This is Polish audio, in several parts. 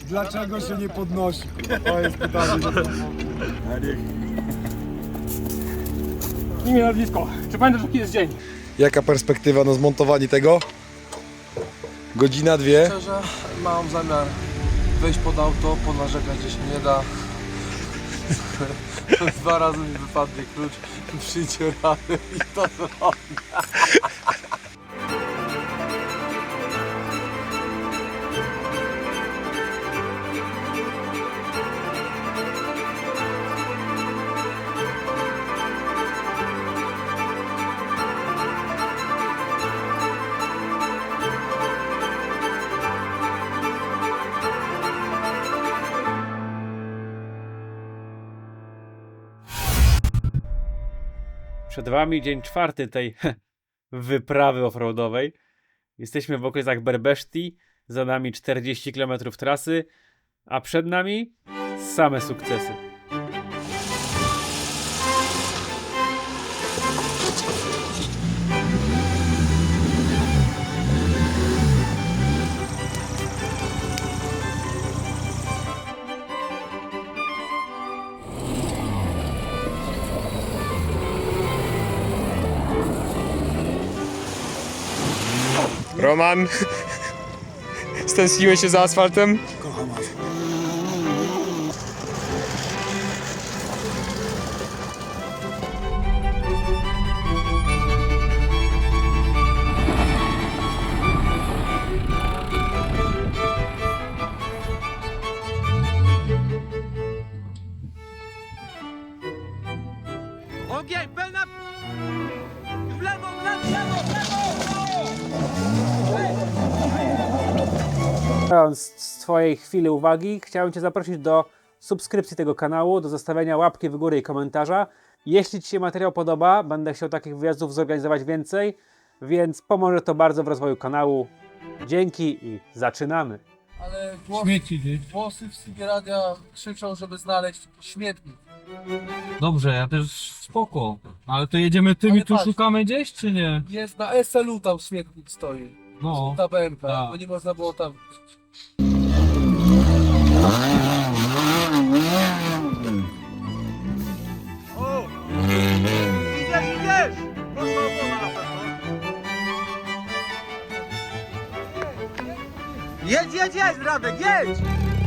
Dlaczego się nie podnosi? To jest pytanie. Imię, nazwisko. Czy pamiętasz, jaki jest dzień? Jaka perspektywa na zmontowanie tego? Godzina, dwie. Szczerze, mam zamiar wejść pod auto, ponarzekać gdzieś nie da. 2 razy mi wypadnie klucz, przyjdzie rany i to zrobię. Przed wami dzień 4 tej wyprawy offroadowej. Jesteśmy w okolicach Berbeszti, za nami 40 km trasy, a przed nami same sukcesy. Roman, stęskniłeś się za asfaltem? Kocham was. Ogień, pełna! W lewo, w lewo, w lewo, w lewo! Mając z twojej chwili uwagi, chciałem cię zaprosić do subskrypcji tego kanału, do zostawiania łapki w górę i komentarza. Jeśli ci się materiał podoba, będę chciał takich wyjazdów zorganizować więcej, więc pomoże to bardzo w rozwoju kanału. Dzięki i zaczynamy. Ale głosy w Sybie Radia krzyczą, żeby znaleźć śmietnik. Dobrze, ja też spoko. Ale to jedziemy tym Ale i tu patrz. szukamy gdzieś, czy nie? Jest na SLU tam śmietnik stoi. No. Ta BMP, Tak. bo nie można było tam... Jedź, Radek, jedź!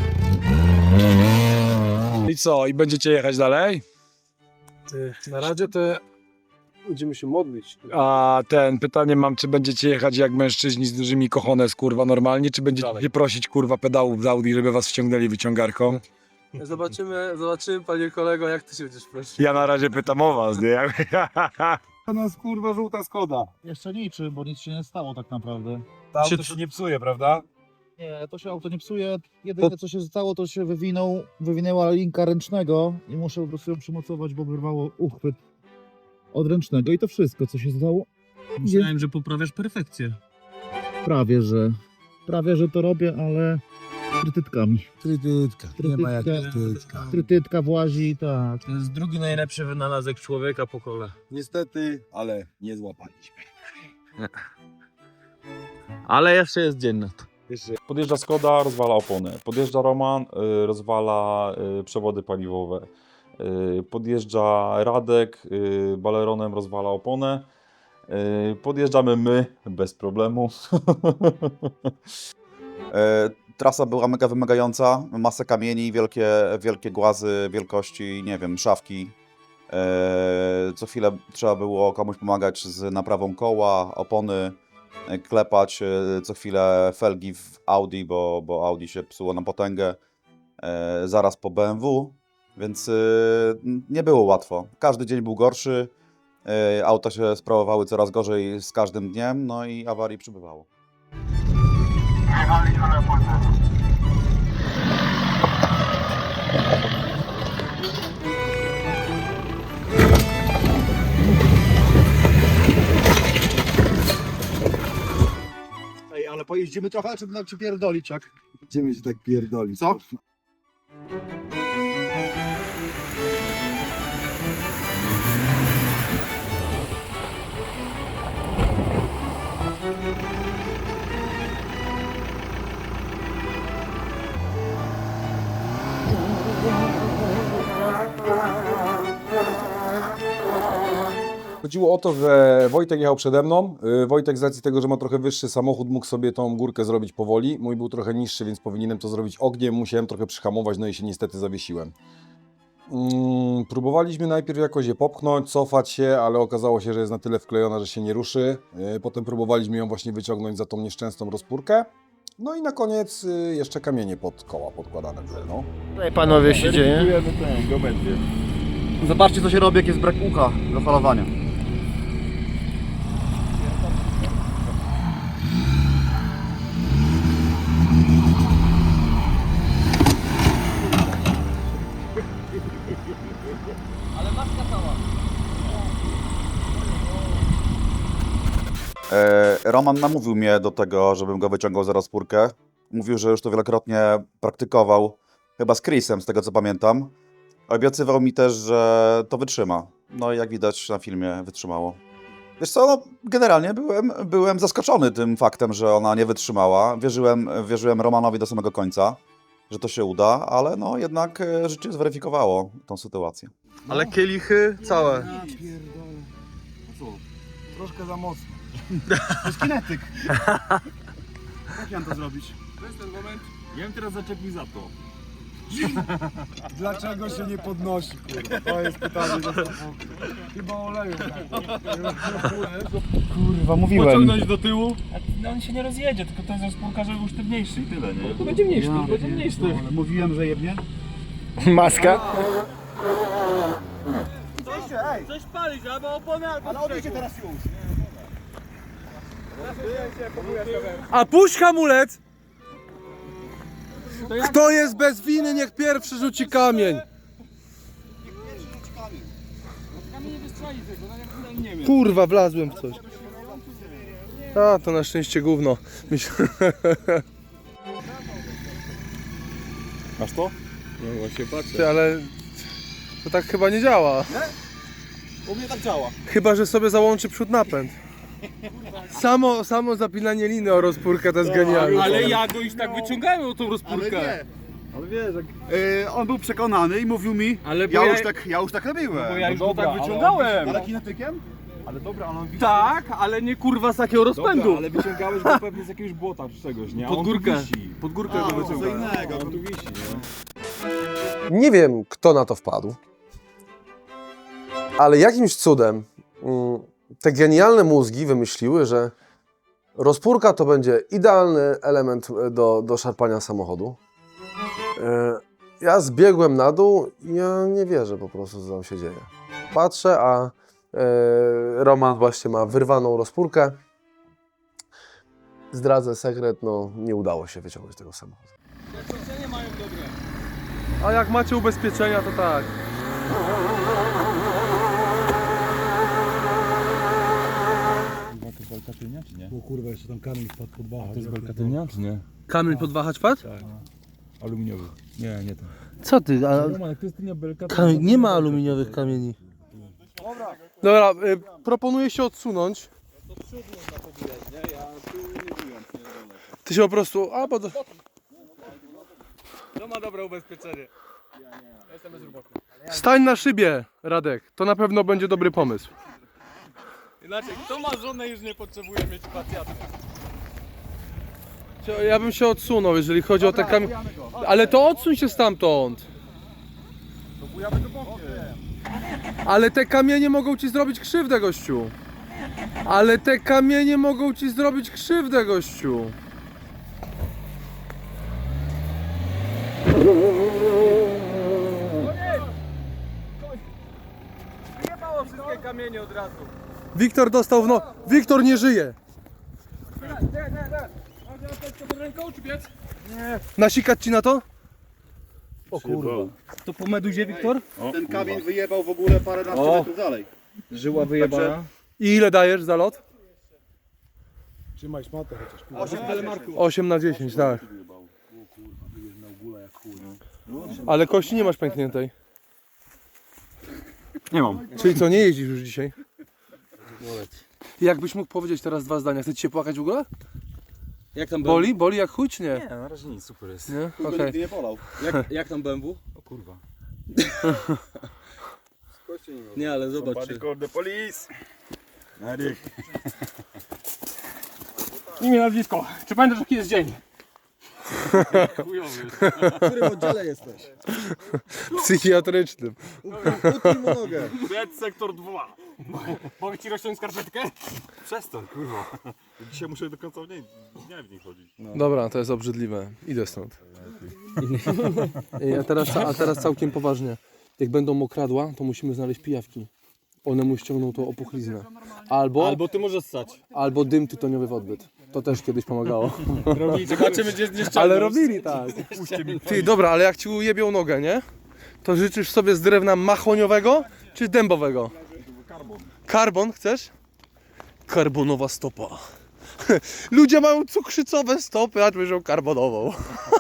I co? I będziecie jechać dalej? Na razie to będziemy się modlić. A pytanie mam, czy będziecie jechać jak mężczyźni z dużymi cojones, kurwa, normalnie, czy będziecie Dalej. prosić, kurwa, pedałów z Audi, żeby was wciągnęli wyciągarką? Zobaczymy, panie kolego, jak ty się będziesz prosił. Ja na razie pytam o was, nie? To nas kurwa żółta Skoda. Jeszcze niczy, bo nic się nie stało tak naprawdę. To auto się nie psuje, prawda? Nie, to się auto nie psuje. Jedyne co się stało, to się wywinęła linka ręcznego i muszę po prostu ją przymocować, bo wyrwało uchwyt od ręcznego i to wszystko co się stało. Myślałem, że poprawiasz perfekcję. Prawie, że to robię, ale trytytkami. Trytytka, nie ma jak Trytytka. trytytka. Trytytka włazi, tak. To jest drugi najlepszy wynalazek człowieka po kole. Niestety, ale nie złapaliśmy. Ale jeszcze jest dzień na to. Podjeżdża Skoda, rozwala opony. Podjeżdża Roman, rozwala przewody paliwowe. Podjeżdża Radek, baleronem rozwala oponę. Podjeżdżamy my, bez problemu. Trasa była mega wymagająca, masę kamieni, wielkie głazy wielkości, nie wiem, szafki. Co chwilę trzeba było komuś pomagać z naprawą koła, opony, klepać co chwilę felgi w Audi, bo Audi się psuło na potęgę, zaraz po BMW, więc nie było łatwo. Każdy dzień był gorszy, auta się sprawowały coraz gorzej z każdym dniem, no i awarii przybywało. Ej, ale pojeździmy trochę, czy nam przypierdolić, jak? Będziemy się tak pierdolić. Co? Chodziło o to, że Wojtek jechał przede mną. Wojtek z racji tego, że ma trochę wyższy samochód, mógł sobie tą górkę zrobić powoli. Mój był trochę niższy, więc powinienem to zrobić ogniem. Musiałem trochę przyhamować, no i się niestety zawiesiłem. Próbowaliśmy najpierw jakoś je popchnąć, cofać się, ale okazało się, że jest na tyle wklejona, że się nie ruszy. Potem próbowaliśmy ją właśnie wyciągnąć za tą nieszczęsną rozpórkę. No i na koniec jeszcze kamienie pod koła podkładane były, no. Tutaj panowie się dzieje. Zobaczcie co się robi, jak jest brak ucha do falowania. Roman namówił mnie do tego, żebym go wyciągał za rozpórkę. Mówił, że już to wielokrotnie praktykował, chyba z Chrisem, z tego co pamiętam. Obiecywał mi też, że to wytrzyma. No i jak widać na filmie wytrzymało. Wiesz co, no, generalnie byłem zaskoczony tym faktem, że ona nie wytrzymała. Wierzyłem Romanowi do samego końca, że to się uda, ale no jednak życie zweryfikowało tą sytuację. Ale kielichy całe. Troszkę za mocno. To jest kinetyk. Jak mam to zrobić? To jest ten moment. Ja bym teraz zaczepił za to. Dlaczego się nie podnosi, kurwa? To jest pytanie do samochodu. Chyba oleju. Kurwa, mówiłem. Pociągnąć do tyłu. No on się nie rozjedzie, tylko to jest rozpórka, żeby był sztywniejszy i tyle, nie? To będzie mniejszy, to będzie mniejszy. Mówiłem, że jebnie. Maska. Coś palić, albo opona, albo Ale odejdzie teraz już. A puść hamulec! Kto jest bez winy, niech pierwszy rzuci kamień. Kurwa, wlazłem w coś. A, to na szczęście gówno. Masz to? No właśnie patrzę. Ty, ale to tak chyba nie działa. U mnie tak działa. Chyba że sobie załączy przód napęd. Samo zapinanie liny o rozpórkę to jest genialne. Ale ja go już tak wyciągałem o tą rozpórkę. Ale wiesz, jak... on był przekonany i mówił mi, Ale bo ja już tak robiłem. bo ja już go tak wyciągałem. Ale kinetykiem? Ale dobra, ale on Tak, ale nie kurwa z takiego rozpędu. Dobra, ale wyciągałeś go pewnie z jakiegoś błota czy czegoś, nie? A Pod on tu górkę. wisi. Pod górkę go co wyciągałem. innego. A on tu wisi, nie? Nie wiem, kto na to wpadł, ale jakimś cudem te genialne mózgi wymyśliły, że rozpórka to będzie idealny element do szarpania samochodu. Ja zbiegłem na dół i ja nie wierzę po prostu, co tam się dzieje. Patrzę, a Roman właśnie ma wyrwaną rozpórkę. Zdradzę sekret, no nie udało się wyciągnąć tego samochodu. A jak macie ubezpieczenia, to tak. To jest belka tylnia, czy nie? O kurwa, jeszcze tam kamień wpadł pod bachę. To jest belka tylnia, czy nie? Kamień podwahacz padł? Tak. Aluminiowy. Nie, nie to. Co ty? A... Roman, jak to jest tylnia belka, to... Nie ma aluminiowych kamieni. Dobra, proponuję się odsunąć. Ty się po prostu... A, bo... To ma dobre ubezpieczenie. Stań na szybie, Radek. To na pewno będzie dobry pomysł. Inaczej, kto ma żonę już nie potrzebuje mieć pacjanta. Ja bym się odsunął, jeżeli chodzi o te kamienie. Ale to odsuń się stamtąd. Ale te kamienie mogą ci zrobić krzywdę, gościu. Ale te kamienie mogą ci zrobić krzywdę, gościu. Wyjebało wszystkie kamienie od razu. Wiktor dostał w no... Wiktor nie żyje. Nasikać ci na to? O kurwa. To po meduzie, Wiktor? Ten kamień wyjebał w ogóle paręnaście metrów dalej. Żyła wyjebana. I ile dajesz za lot? Trzymaj szmatę chociaż. 8 telemarków. 8 na 10, tak. Ale kości nie masz pękniętej. Nie mam. Czyli co, nie jeździsz już dzisiaj? Jakbyś mógł powiedzieć teraz dwa zdania, chcecie się płakać w ogóle? Jak tam Boli? Boli jak chuj czy nie? Nie, na razie nic, super jest. Nie? Okej. Nigdy nie bolał. Jak tam BMW? O kurwa. Nie, ale zobacz. Somebody call the police. Eryk. Imię, nazwisko. Czy pamiętasz jaki jest dzień? W którym oddziale jesteś? Psychiatrycznym. Utnij mu nogę. Biec sektor 2. Mogę ci rozciąć skarpetkę? Przestań, kurwa. Dzisiaj muszę do końca dnia w niej chodzić. Dobra, to jest obrzydliwe. Idę stąd. A teraz całkiem poważnie. Jak będą mokradła, to musimy znaleźć pijawki. One mu ściągną tą opuchliznę. Albo ty możesz ssać. albo dym tytoniowy w odbyt. To też kiedyś pomagało. Zobaczymy gdzie jest nieszczęście. Ale robili tak. Ty, dobra, ale jak ci ujebią nogę, nie? To życzysz sobie z drewna mahoniowego czy dębowego? Karbon chcesz? Karbonowa stopa. Ludzie mają cukrzycowe stopy, a bierzą karbonową.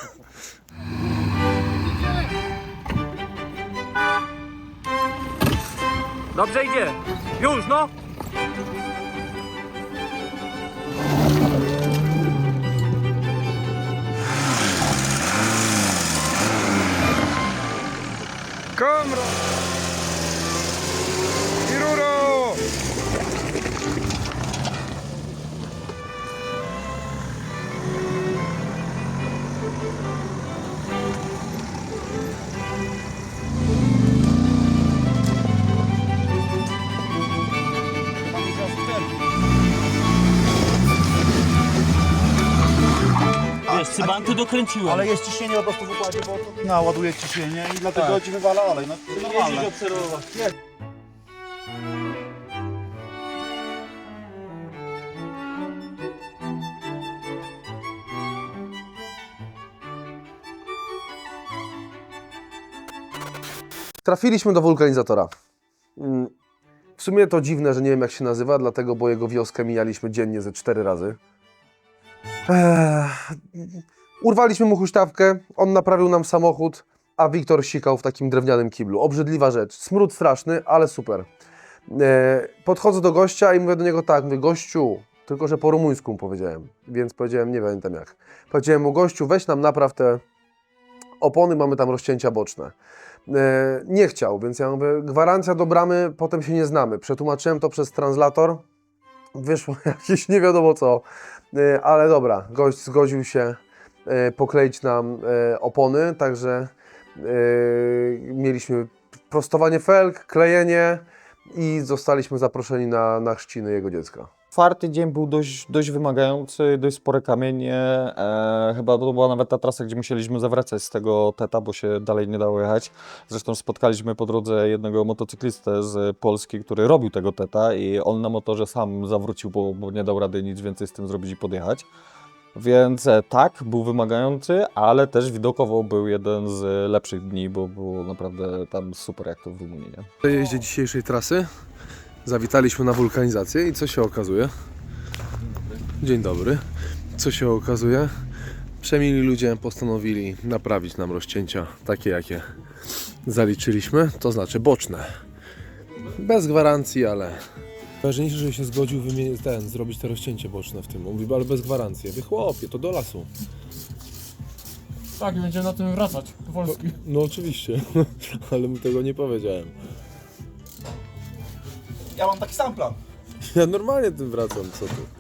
Dobrze idzie. Już no. Kamra! Iruro! Wiesz, cybanty dokręciłem. Ale jest ciśnienie po prostu w układzie, bo to ładuje ciśnienie i dlatego ci wywala olej. No to normalne. Trafiliśmy do wulkanizatora. W sumie to dziwne, że nie wiem jak się nazywa, dlatego, bo jego wioskę mijaliśmy dziennie ze 4 razy. Urwaliśmy mu huśtawkę, on naprawił nam samochód, a Wiktor sikał w takim drewnianym kiblu. Obrzydliwa rzecz. Smród straszny, ale super. Podchodzę do gościa i mówię do niego tak, mówię, gościu, tylko że po rumuńsku mu powiedziałem, więc powiedziałem, nie pamiętam jak. Powiedziałem mu, gościu, weź nam napraw te opony, mamy tam rozcięcia boczne. Nie chciał, więc ja mówię, gwarancja do bramy, potem się nie znamy. Przetłumaczyłem to przez translator, wyszło jakieś nie wiadomo co, ale dobra, gość zgodził się pokleić nam opony, także mieliśmy prostowanie felg, klejenie i zostaliśmy zaproszeni na chrzciny jego dziecka. 4. dzień był dość wymagający, dość spore kamienie. Chyba to była nawet ta trasa, gdzie musieliśmy zawracać z tego teta, bo się dalej nie dało jechać. Zresztą spotkaliśmy po drodze jednego motocyklistę z Polski, który robił tego teta i on na motorze sam zawrócił, bo nie dał rady nic więcej z tym zrobić i podjechać. Więc tak, był wymagający, ale też widokowo był jeden z lepszych dni, bo było naprawdę tam super jak to w Rumunii. Nie? Po jeździe dzisiejszej trasy zawitaliśmy na wulkanizację i co się okazuje? Dzień dobry. Co się okazuje? Przemili ludzie postanowili naprawić nam rozcięcia takie, jakie zaliczyliśmy, to znaczy boczne. Bez gwarancji, ale... Ważniejsze, że się zgodził zrobić te rozcięcie boczne w tym. Mówi, ale bez gwarancji. Ja mówię, chłopie, to do lasu. Tak, i będziemy na tym wracać do Polski. No oczywiście, ale mu tego nie powiedziałem. Ja mam taki sam plan. Ja normalnie tym wracam, co ty?